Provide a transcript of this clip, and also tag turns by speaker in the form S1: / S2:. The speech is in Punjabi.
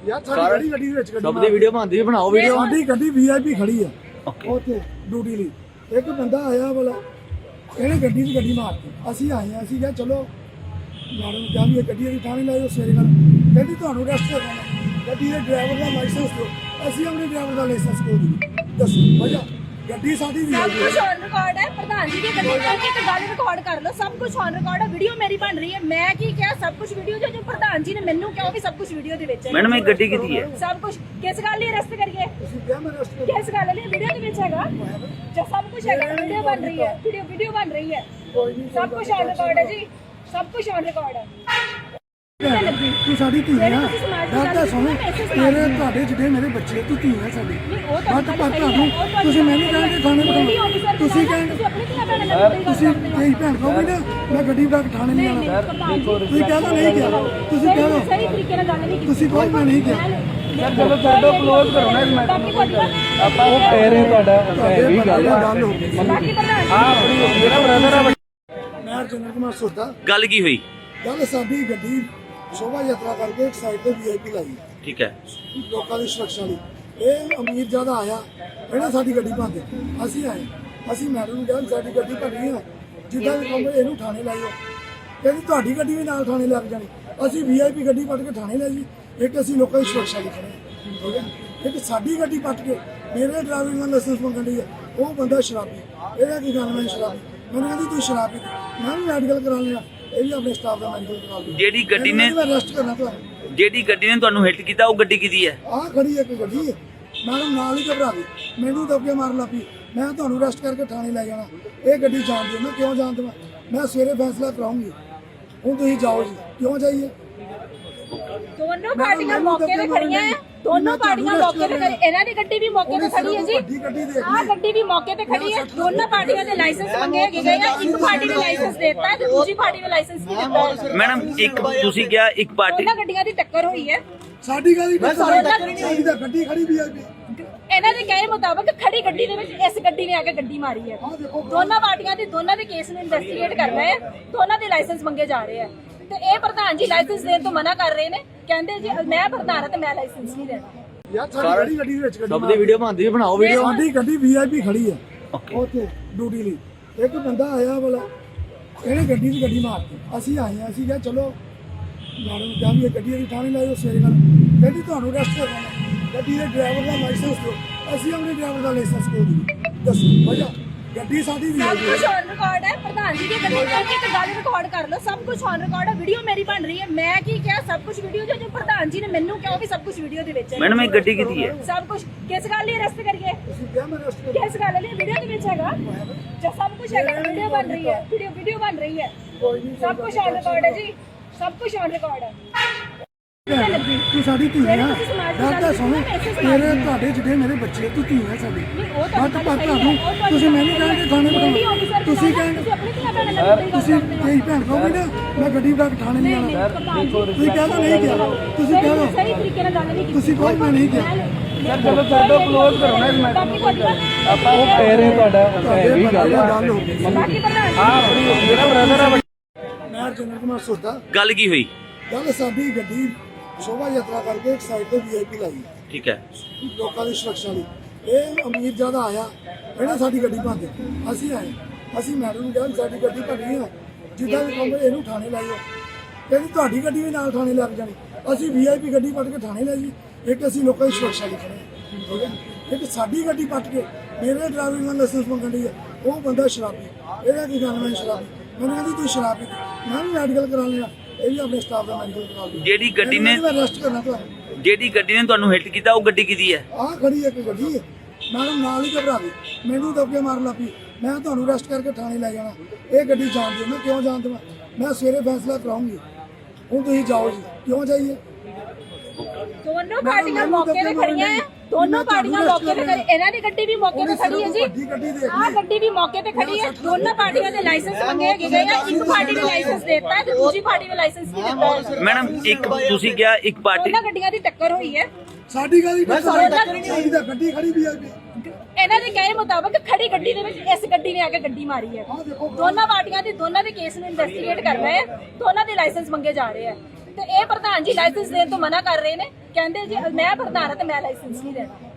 S1: ਯਾਰ ਸਾਡੀ ਗੱਡੀ ਦੇ ਵਿੱਚ
S2: ਸਭ ਦੀ ਵੀਡੀਓ ਬਣਦੀ ਵੀ ਬਣਾਓ ਵੀਡੀਓ।
S1: ਸਾਡੀ ਗੱਡੀ ਵੀਆਈਪੀ ਖੜੀ ਆ
S2: ਓਕੇ
S1: ਉੱਥੇ ਡਿਊਟੀ ਲਈ। ਇੱਕ ਬੰਦਾ ਆਇਆ ਵਾਲਾ ਇਹਨੇ ਗੱਡੀ 'ਚ ਗੱਡੀ ਮਾਰਤੀ। ਅਸੀਂ ਆਏ ਆ, ਅਸੀਂ ਕਿਹਾ ਚਲੋ ਮੈਡਮ ਨੂੰ ਕਿਹਾ ਵੀ ਇਹ ਗੱਡੀ ਦੀ ਥਾਣੇ ਲਾਇਓ ਸਵੇਰੇ ਨਾਲ। ਕਹਿੰਦੀ ਤੁਹਾਨੂੰ ਅਰੈਸਟ ਕਰਨਾ, ਗੱਡੀ ਦੇ ਡਰਾਈਵਰ ਦਾ ਲਾਇਸੈਂਸ ਦਿਓ। ਅਸੀਂ ਆਪਣੇ ਡਰਾਈਵਰ ਦਾ ਲਾਇਸੈਂਸ ਕਿਉਂ ਦਿਓ? ਦੱਸੋ ਵਜ੍ਹਾ। ਗੱਡੀ ਸਾਡੀ ਵੀ
S3: ਸਭ ਕੁਝ ਔਨ ਰਿਕਾਰਡ ਹੈ। ਪ੍ਰਧਾਨ ਜੀ ਦੀ ਗੱਡੀ ਕਰਕੇ ਤੇ ਗੱਲ ਰਿਕਾਰਡ ਕਰ ਲਓ। ਸਭ ਕੁਝ ਔਨ ਰਿਕਾਰਡ ਹੈ। ਵੀਡੀਓ ਮੇਰੀ ਬਣ ਰਹੀ ਹੈ। ਮੈਂ ਕੀ ਕਿਹਾ? ਸਭ ਕੁਝ ਵੀਡੀਓ ਜੋ ਪ੍ਰਧਾਨ ਜੀ ਨੇ ਮੈਨੂੰ ਕਿਹਾ ਵੀ ਸਭ ਕੁਝ ਵੀਡੀਓ ਦੇ ਵਿੱਚ ਹੈ।
S2: ਮੈਡਮ ਇਹ ਗੱਡੀ ਕਿਹਦੀ ਹੈ?
S3: ਸਭ ਕੁਝ ਕਿਸ ਗੱਲ ਲਈ ਅਰੈਸਟ ਕਰੀਏ?
S1: ਤੁਸੀਂ ਕਿਹਾ ਮੈਂ ਅਰੈਸਟ
S3: ਕਿਸ ਗੱਲ ਲਈ? ਵੀਡੀਓ ਦੇ ਵਿੱਚ ਹੈਗਾ ਜੋ ਸਭ ਕੁਝ ਹੈਗਾ। ਵੀਡੀਓ ਬਣ ਰਹੀ ਹੈ। ਵੀਡੀਓ ਬਣ ਰਹੀ ਹੈ। ਸਭ ਕੁਝ ਔਨ ਰਿਕਾਰਡ ਹੈ ਜੀ। ਸਭ ਕੁਝ ਔਨ ਰਿਕਾਰਡ ਹੈ।
S1: ਤੂੰ ਸਾਡੀ ਧੀ ਆ। ਗੱਲ ਤਾਂ ਸੁਣ, ਤੇਰੇ ਤੁਹਾਡੇ ਜਿਹੜੇ ਮੇਰੇ ਬੱਚੇ, ਤੂੰ ਧੀ ਆ ਸਾਡੀ। ਬਟ ਪਰ ਤੁਹਾਨੂੰ ਤੁਸੀਂ ਮੈਨੂੰ ਕਹਿੰਦੇ ਥਾਣੇ ਬਿਠਾਓ। ਤੁਸੀਂ ਕਹਿੰਦੇ ਤੁਸੀਂ ਤੇਰੀ ਭੈਣ ਕਹੋਗੇ ਨਾ ਮੈਂ ਗੱਡੀ ਬਿਠਾ ਕੇ ਥਾਣੇ ਨਹੀਂ ਆਉਣਾ। ਤੁਸੀਂ ਕਹਿੰਦਾ ਨਹੀਂ ਕਿਹਾ। ਤੁਸੀਂ ਕਹਿੰਦਾ
S3: ਸਹੀ ਤਰੀਕੇ ਨਾਲ ਗੱਲ ਨਹੀਂ ਕੀਤੀ।
S1: ਤੁਸੀਂ ਕਹੋ ਮੈਂ ਨਹੀਂ ਕਿਹਾ।
S2: ਸਰ ਚਲੋ ਛੱਡੋ, ਕਲੋਜ਼ ਕਰੋ ਨਾ ਇਸ ਆਪਾਂ ਉਹ ਕਹਿ ਰਹੇ ਤੁਹਾਡਾ ਵੀ ਗੱਲ
S1: ਹੋ ਗਈ।
S3: ਬਾਕੀ ਪ੍ਰਧਾਨ
S2: ਆ ਆਪਣੀ ਮੇਰਾ ਬ੍ਰਦਰ ਆ।
S1: ਮੈਂ ਅਰਜਨ ਕੁਮਾਰ ਸੋਤਾ।
S2: ਗੱਲ ਕੀ ਹੋਈ?
S1: ਗੱਲ ਸਾਡੀ ਗੱਡੀ ਸ਼ੋਭਾ ਯਾਤਰਾ ਕਰਕੇ ਇੱਕ ਸਾਈਡ ਤੇ ਵੀਆਈਪੀ ਲਾਈ
S2: ਠੀਕ ਹੈ
S1: ਲੋਕਾਂ ਦੀ ਸੁਰੱਖਿਆ ਲਈ। ਇਹ ਅਮੀਰ ਜਿਆਦਾ ਆਇਆ, ਇਹਨੇ ਸਾਡੀ ਗੱਡੀ ਭੰਨ ਦਿੱਤੀ। ਅਸੀਂ ਆਏ, ਅਸੀਂ ਮੈਡਮ ਨੂੰ ਕਿਹਾ ਸਾਡੀ ਗੱਡੀ ਭੰਨੀ ਆ, ਜਿੱਦਾਂ ਵੀ ਕਹੋਗੇ ਇਹਨੂੰ ਥਾਣੇ ਲਾਇਓ। ਕਹਿੰਦੀ ਤੁਹਾਡੀ ਗੱਡੀ ਵੀ ਨਾਲ ਥਾਣੇ ਲੱਗ ਜਾਣੀ। ਅਸੀਂ ਵੀਆਈਪੀ ਗੱਡੀ ਪੱਟ ਕੇ ਥਾਣੇ ਲੈ ਜੀ। ਇੱਕ ਅਸੀਂ ਲੋਕਾਂ ਦੀ ਸੁਰੱਖਿਆ ਲਈ ਖੜੇ ਹਾਂ, ਠੀਕ ਹੈ। ਇੱਕ ਸਾਡੀ ਗੱਡੀ ਪੱਟ ਕੇ ਮੇਰੇ ਡਰਾਈਵਿੰਗ ਦਾ ਲਾਇਸੈਂਸ ਮੰਗਣ ਦੀ ਹੈ। ਉਹ ਬੰਦਾ ਸ਼ਰਾਬੀ। ਇਹਦਾ ਕੀ ਗੱਲ? ਮੈਂ ਸ਼ਰਾਬੀ। ਮੈਨੂੰ ਕਹਿੰਦੀ ਤੂੰ ਸ਼ਰਾਬੀ। ਮੈਂ ਵੀ ਮੈਡੀਕਲ ਕਰਾ ਲਿਆ। ਇਹ ਵੀ ਆਪਣੇ ਸਟਾਫ ਦਾ ਮੈਡੀਕਲ ਕਰਾ ਲਿਆ।
S2: ਜਿਹੜੀ ਗੱਡੀ ਨੇ
S1: ਅਰੈਸਟ ਕਰਨਾ ਤੁਹਾਨੂੰ।
S2: ਜਿਹੜੀ ਗੱਡੀ ਨੇ ਤੁਹਾਨੂੰ ਹਿੱਟ ਕੀਤਾ ਉਹ ਗੱਡੀ ਕਿਹਦੀ ਹੈ?
S1: ਆਹ ਖੜੀ ਇੱਕ ਗੱਡੀ ਹੈ। ਮੈਡਮ ਨਾਲ ਹੀ ਘਬਰਾ ਗਈ, ਮੈਨੂੰ ਦਬਕੇ ਮਾਰਨ ਲੱਗ ਪਈ। ਮੈਂ ਤੁਹਾਨੂੰ ਅਰੈਸਟ ਕਰਕੇ ਥਾਣੇ ਲੈ ਜਾਣਾ। ਇਹ ਗੱਡੀ ਜਾਣ ਦਿਓ। ਮੈਂ ਕਿਉਂ ਜਾਣ ਦੇਵਾਂ? ਮੈਂ ਸਵੇਰੇ ਫੈਸਲਾ ਕਰਾਉਂਗੀ। ਹੁਣ ਤੁਸੀਂ ਜਾਓ ਜੀ। ਕਿਉਂ ਜਾਈਏ?
S3: ਦੋਨੋਂ ਪਾਰਟੀਆਂ ਮੌਕੇ ਤੇ ਖੜੀਆਂ ਹੈ। ਦੋਨੋਂ ਪਾਰਟੀਆਂ ਮੌਕੇ ਤੇ ਖੜੀ। ਇਹਨਾਂ ਦੀ ਗੱਡੀ ਵੀ ਮੌਕੇ ਤੇ ਖੜੀ ਹੈ ਜੀ। ਆਹ ਗੱਡੀ ਵੀ ਮੌਕੇ ਤੇ ਖੜੀ ਹੈ। ਦੋਨੋਂ ਪਾਰਟੀਆਂ ਦੇ ਲਾਇਸੈਂਸ ਮੰਗੇ ਗਏ ਆ। ਇੱਕ ਪਾਰਟੀ ਨੇ ਲਾਇਸੈਂਸ ਦਿੱਤਾ ਹੈ ਤੇ ਦੂਜੀ ਪਾਰਟੀ ਨੇ ਲਾਇਸੈਂਸ ਨਹੀਂ ਦਿੱਤਾ।
S2: ਮੈਡਮ ਇੱਕ ਤੁਸੀਂ ਕਿਹਾ ਇੱਕ ਪਾਰਟੀ
S3: ਦੋਨਾਂ ਗੱਡੀਆਂ ਦੀ ਟੱਕਰ ਹੋਈ ਹੈ।
S1: ਸਾਡੀ ਗੱਡੀ ਸਾਡੀ ਤਾਂ ਗੱਡੀ ਖੜੀ ਵੀਆਈਪੀ।
S3: ਇਹਨਾਂ ਦੇ ਕਹੇ ਮੁਤਾਬਕ ਖੜੀ ਗੱਡੀ ਦੇ ਵਿੱਚ ਇਸ ਗੱਡੀ ਨੇ ਆ ਕੇ ਗੱਡੀ ਮਾਰੀ ਹੈ। ਦੋਨਾਂ ਪਾਰਟੀਆਂ ਦੇ ਦੋਨਾਂ ਦੇ ਕੇਸ ਨੂੰ ਇਨਵੈਸਟੀਗੇਟ ਕਰ ਰਹੇ ਆ। ਦੋਨਾਂ ਦੇ ਲਾਇਸੈਂਸ ਮੰਗੇ ਜਾ ਰਹੇ ਆ ਤੇ ਇਹ ਪ੍ਰਧਾਨ ਜੀ ਲਾਇਸੈਂਸ ਦੇਣ ਤੋਂ ਮਨਾ ਕਰ ਰਹੇ ਨੇ। ਕਹਿੰਦੇ ਜੀ ਮੈਂ ਪ੍ਰਧਾਨ ਹਾਂ ਤੇ ਮੈਂ ਲਾਇਸੈਂਸ ਨਹੀਂ ਦੇਣਾ।
S1: ਯਾਰ ਸਾਡੀ ਗੱਡੀ ਦੇ ਵਿੱਚ
S2: ਸਭ ਦੀ ਵੀਡੀਓ ਬਣਦੀ ਵੀ ਬਣਾਓ ਵੀਡੀਓ।
S1: ਸਾਡੀ ਗੱਡੀ ਵੀਆਈਪੀ ਖੜੀ ਆ
S2: ਓਕੇ
S1: ਉੱਥੇ ਡਿਊਟੀ ਲਈ। ਇੱਕ ਬੰਦਾ ਆਇਆ ਵਾਲਾ ਇਹਨੇ ਗੱਡੀ 'ਚ ਗੱਡੀ ਮਾਰਤੀ। ਅਸੀਂ ਆਏ ਆ, ਅਸੀਂ ਕਿਹਾ ਚਲੋ ਮੈਡਮ ਨੂੰ ਕਿਹਾ ਵੀ ਇਹ ਗੱਡੀ ਦੀ ਥਾਣੇ ਲਾਇਓ ਸਵੇਰੇ ਨਾਲ। ਕਹਿੰਦੀ ਤੁਹਾਨੂੰ ਅਰੈਸਟ ਕਰਨਾ, ਗੱਡੀ ਦੇ ਡਰਾਈਵਰ ਦਾ ਲਾਇਸੈਂਸ ਦਿਓ। ਅਸੀਂ ਆਪਣੇ ਡਰਾਈਵਰ ਦਾ ਲਾਇਸੈਂਸ ਕਿਉਂ ਦਿਓ? ਦੱਸੋ ਵਜ੍ਹਾ। ਗੱਡੀ ਸਾਡੀ ਵੀ
S3: ਸਭ ਕੁਝ ਔਨ ਰਿਕਾਰਡ ਹੈ। ਪ੍ਰਧਾਨ ਜੀ ਦੀ ਗੱਡੀ ਕਰਕੇ ਤੇ ਗੱਲ ਰਿਕਾਰਡ ਕਰ ਲਓ। ਸਭ ਕੁਝ ਔਨ ਰਿਕਾਰਡ ਹੈ। ਵੀਡੀਓ ਮੇਰੀ ਬਣ ਰਹੀ ਹੈ। ਮੈਂ ਕੀ ਕਿਹਾ? ਸਭ ਕੁਝ ਵੀਡੀਓ ਜੋ ਪ੍ਰਧਾਨ ਜੀ ਨੇ ਮੈਨੂੰ ਕਿਹਾ ਵੀ ਸਭ ਕੁਝ ਵੀਡੀਓ ਦੇ ਵਿੱਚ ਹੈ।
S2: ਮੈਡਮ ਇਹ ਗੱਡੀ ਕਿਹਦੀ ਹੈ?
S3: ਸਭ ਕੁਝ ਕਿਸ ਗੱਲ ਲਈ ਅਰੈਸਟ ਕਰੀਏ?
S1: ਤੁਸੀਂ ਕਿਹਾ ਮੈਂ ਅਰੈਸਟ ਕਰਾਂ।
S3: ਕਿਸ ਗੱਲ ਲਈ? ਵੀਡੀਓ ਦੇ ਵਿੱਚ ਹੈਗਾ ਜੋ ਸਭ ਕੁਝ ਹੈਗਾ। ਵੀਡੀਓ ਬਣ ਰਹੀ ਹੈ। ਵੀਡੀਓ ਬਣ ਰਹੀ ਹੈ। ਸਭ ਕੁਝ ਔਨ ਰਿਕਾਰਡ ਹੈ ਜੀ। ਸਭ ਕੁਝ ਔਨ ਰਿਕਾਰਡ ਹੈ।
S1: ਤੂੰ ਸਾਡੀ ਧੀ ਆ। ਗੱਲ ਤਾਂ ਸੁਣ, ਤੇਰੇ ਤੁਹਾਡੇ ਜਿਹੜੇ ਮੇਰੇ ਬੱਚੇ, ਤੂੰ ਧੀ ਆ ਸਾਡੀ। ਬਟ ਪਰ ਤੁਹਾਨੂੰ ਤੁਸੀਂ ਮੈਨੂੰ ਕਹਿੰਦੇ ਥਾਣੇ ਬਿਠਾਓ। ਤੁਸੀਂ ਕਹਿੰਦੇ ਤੁਸੀਂ ਤੇਰੀ ਭੈਣ ਕਹੋਗੇ ਨਾ ਮੈਂ ਗੱਡੀ ਬਿਠਾ ਕੇ ਥਾਣੇ ਨਹੀਂ ਆਉਣਾ। ਤੁਸੀਂ ਕਹਿੰਦਾ ਨਹੀਂ ਕਿਹਾ। ਤੁਸੀਂ ਕਹਿੰਦਾ
S3: ਸਹੀ ਤਰੀਕੇ ਨਾਲ ਗੱਲ ਨਹੀਂ ਕੀਤੀ।
S1: ਤੁਸੀਂ ਕਹੋ ਮੈਂ ਨਹੀਂ ਕਿਹਾ।
S2: ਸਰ ਚਲੋ ਛੱਡੋ, ਕਲੋਜ਼ ਕਰੋ ਨਾ ਇਸ ਆਪਾਂ ਉਹ ਕਹਿ ਰਹੇ ਤੁਹਾਡਾ ਵੀ ਗੱਲ
S1: ਹੋ ਗਈ।
S3: ਬਾਕੀ ਪ੍ਰਧਾਨ
S2: ਆ ਆਪਣੀ ਮੇਰਾ ਬ੍ਰਦਰ ਆ।
S1: ਮੈਂ ਅਰਜਨ ਕੁਮਾਰ ਸੋਤਾ।
S2: ਗੱਲ ਕੀ ਹੋਈ?
S1: ਗੱਲ ਸਾਡੀ ਗੱਡੀ ਸ਼ੋਭਾ ਯਾਤਰਾ ਕਰਕੇ ਇੱਕ ਸਾਈਡ ਤੇ ਵੀਆਈਪੀ ਲਾਈ
S2: ਠੀਕ ਹੈ
S1: ਲੋਕਾਂ ਦੀ ਸੁਰੱਖਿਆ ਲਈ। ਇਹ ਅਮੀਰ ਜਿਆਦਾ ਆਇਆ, ਇਹਨੇ ਸਾਡੀ ਗੱਡੀ ਭੰਨ ਦਿੱਤੀ। ਅਸੀਂ ਆਏ, ਅਸੀਂ ਮੈਡਮ ਨੂੰ ਕਿਹਾ ਸਾਡੀ ਗੱਡੀ ਭੰਨੀ ਆ, ਜਿੱਦਾਂ ਵੀ ਕਹੋਗੇ ਇਹਨੂੰ ਥਾਣੇ ਲਾਇਓ। ਕਹਿੰਦੀ ਤੁਹਾਡੀ ਗੱਡੀ ਵੀ ਨਾਲ ਥਾਣੇ ਲੱਗ ਜਾਣੀ। ਅਸੀਂ ਵੀਆਈਪੀ ਗੱਡੀ ਪੱਟ ਕੇ ਥਾਣੇ ਲੈ ਜੀ। ਇੱਕ ਅਸੀਂ ਲੋਕਾਂ ਦੀ ਸੁਰੱਖਿਆ ਲਈ ਖੜੇ ਹਾਂ, ਠੀਕ ਹੈ। ਇੱਕ ਸਾਡੀ ਗੱਡੀ ਪੱਟ ਕੇ ਮੇਰੇ ਡਰਾਈਵਿੰਗ ਦਾ ਲਾਇਸੈਂਸ ਮੰਗਣ ਦੀ ਹੈ। ਉਹ ਬੰਦਾ ਸ਼ਰਾਬੀ। ਇਹਦਾ ਕੀ ਗੱਲ? ਮੈਂ ਸ਼ਰਾਬੀ। ਮੈਨੂੰ ਕਹਿੰਦੀ ਤੂੰ ਸ਼ਰਾਬੀ। ਮੈਂ ਵੀ ਮੈਡੀਕਲ ਕਰਾ ਲਿਆ। ਇਹ ਵੀ ਆਪਣੇ ਸਟਾਫ ਦਾ ਮੈਡੀਕਲ ਕਰਾ ਲਿਆ।
S2: ਜਿਹੜੀ ਗੱਡੀ ਨੇ
S1: ਅਰੈਸਟ ਕਰਨਾ ਤੁਹਾਨੂੰ।
S2: ਜਿਹੜੀ ਗੱਡੀ ਨੇ ਤੁਹਾਨੂੰ ਹਿੱਟ ਕੀਤਾ ਉਹ ਗੱਡੀ ਕਿਹਦੀ ਹੈ?
S1: ਆਹ ਖੜੀ ਇੱਕ ਗੱਡੀ ਹੈ। ਮੈਡਮ ਨਾਲ ਹੀ ਘਬਰਾ ਗਈ, ਮੈਨੂੰ ਦਬਕੇ ਮਾਰਨ ਲੱਗ ਪਈ। ਮੈਂ ਤੁਹਾਨੂੰ ਅਰੈਸਟ ਕਰਕੇ ਥਾਣੇ ਲੈ ਜਾਣਾ। ਇਹ ਗੱਡੀ ਜਾਣ ਦਿਓ। ਮੈਂ ਕਿਉਂ ਜਾਣ ਦੇਵਾਂ? ਮੈਂ ਸਵੇਰੇ ਫੈਸਲਾ ਕਰਾਉਂਗੀ। ਹੁਣ ਤੁਸੀਂ ਜਾਓ ਜੀ। ਕਿਉਂ ਜਾਈਏ?
S3: ਦੋਨੋਂ ਪਾਰਟੀਆਂ ਮੌਕੇ ਤੇ ਖੜੀਆਂ ਹੈ। ਦੋਨੋਂ ਪਾਰਟੀਆਂ ਮੌਕੇ ਤੇ ਖੜੀ। ਇਹਨਾਂ ਦੀ ਗੱਡੀ ਵੀ ਮੌਕੇ ਤੇ ਖੜੀ ਹੈ ਜੀ। ਆਹ ਗੱਡੀ ਵੀ ਮੌਕੇ ਤੇ ਖੜੀ ਹੈ। ਦੋਨੋਂ ਪਾਰਟੀਆਂ ਦੇ ਲਾਇਸੈਂਸ ਮੰਗੇ ਗਏ ਆ। ਇੱਕ ਪਾਰਟੀ ਨੇ ਲਾਇਸੈਂਸ ਦਿੱਤਾ ਹੈ ਤੇ ਦੂਜੀ ਪਾਰਟੀ ਨੇ ਲਾਇਸੈਂਸ ਨਹੀਂ ਦਿੱਤਾ।
S2: ਮੈਡਮ ਇੱਕ ਤੁਸੀਂ ਕਿਹਾ ਇੱਕ ਪਾਰਟੀ
S3: ਦੋਨਾਂ ਗੱਡੀਆਂ ਦੀ ਟੱਕਰ ਹੋਈ ਹੈ।
S1: ਸਾਡੀ ਗੱਡੀ ਸਾਡੀ ਤਾਂ ਗੱਡੀ ਖੜੀ ਵੀਆਈਪੀ।
S3: ਇਹਨਾਂ ਦੇ ਕਹੇ ਮੁਤਾਬਕ ਖੜੀ ਗੱਡੀ ਦੇ ਵਿੱਚ ਇਸ ਗੱਡੀ ਨੇ ਆ ਕੇ ਗੱਡੀ ਮਾਰੀ ਹੈ। ਦੋਨਾਂ ਪਾਰਟੀਆਂ ਦੇ ਦੋਨਾਂ ਦੇ ਕੇਸ ਨੂੰ ਇਨਵੈਸਟੀਗੇਟ ਕਰ ਰਹੇ ਆ। ਦੋਨਾਂ ਦੇ ਲਾਇਸੈਂਸ ਮੰਗੇ ਜਾ ਰਹੇ ਆ ਤੇ ਇਹ ਪ੍ਰਧਾਨ ਜੀ ਲਾਇਸੈਂਸ ਦੇਣ ਤੋਂ ਮਨਾ ਕਰ ਰਹੇ ਨੇ। ਕਹਿੰਦੇ ਜੀ ਮੈਂ ਭਰਦਾਰ ਹਾਂ ਤੇ ਮੈਂ ਲਾਇਸੈਂਸ ਨਹੀਂ ਦੇਣਾ।